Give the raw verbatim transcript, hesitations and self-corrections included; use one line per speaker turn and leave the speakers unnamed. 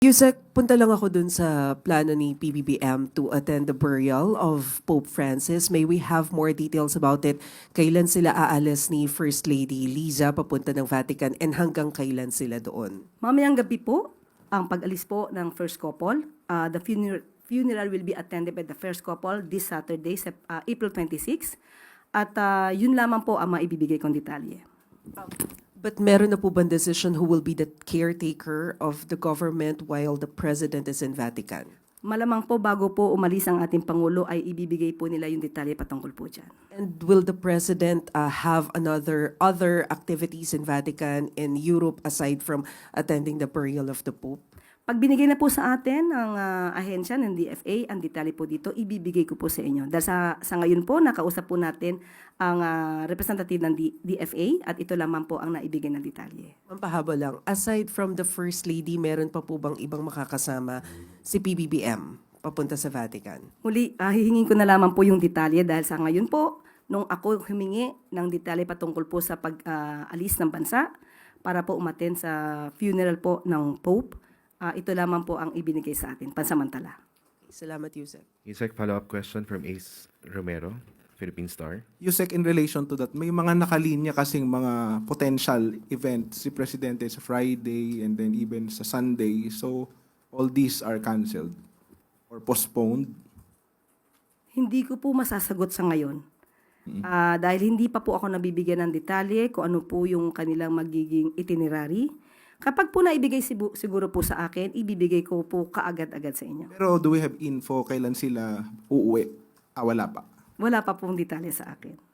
Yusek, punta lang ako dun sa plano ni P B B M to attend the burial of Pope Francis. May we have more details about it? Kailan sila aalis ni First Lady Liza papunta ng Vatican and hanggang kailan sila doon?
Mamayang gabi po, ang pag-alis po ng first couple. Uh, the funeral, funeral will be attended by the first couple this Saturday, Sep- uh, April twenty-sixth. At uh, yun lamang po ang maibibigay kong detalye.
But meron na po bang decision who will be the caretaker of the government while the President is in Vatican?
Malamang po bago po umalis ang ating Pangulo ay ibibigay po nila yung detalye patungkol po dyan.
And will the President uh, have another other activities in Vatican, in Europe, aside from attending the burial of the Pope?
Pag binigay na po sa atin ng uh, ahensya ng D F A, ang detalye po dito, ibibigay ko po sa inyo. Dahil sa, sa ngayon po, nakausap po natin ang uh, representative ng D- DFA at ito lamang po ang naibigay ng detalye.
Mampahaba lang, aside from the First Lady, meron pa po bang ibang makakasama si P B B M papunta sa Vatican?
Muli, uh, hihingin ko na lamang po yung detalye dahil sa ngayon po, nung ako humingi ng detalye patungkol po sa pag-alis uh, ng bansa para po umaten sa funeral po ng Pope, uh, ito lamang po ang ibinigay sa atin, pansamantala.
Salamat, Yusek.
Yusek, follow-up question from Ace Romero, Philippine Star.
Yusek, in relation to that, may mga nakalinya kasing mga potential events si Presidente sa Friday and then even sa Sunday. So, all these are canceled or postponed.
Hindi ko po masasagot sa ngayon. Ah, dahil hindi pa po ako nabibigyan ng detalye kung ano po yung kanilang magiging itinerary. Kapag po naibigay sibu- siguro po sa akin, ibibigay ko po kaagad-agad sa inyo.
Pero do we have info kailan sila uuwi? Ah, wala pa.
Wala pa pong detalye sa akin.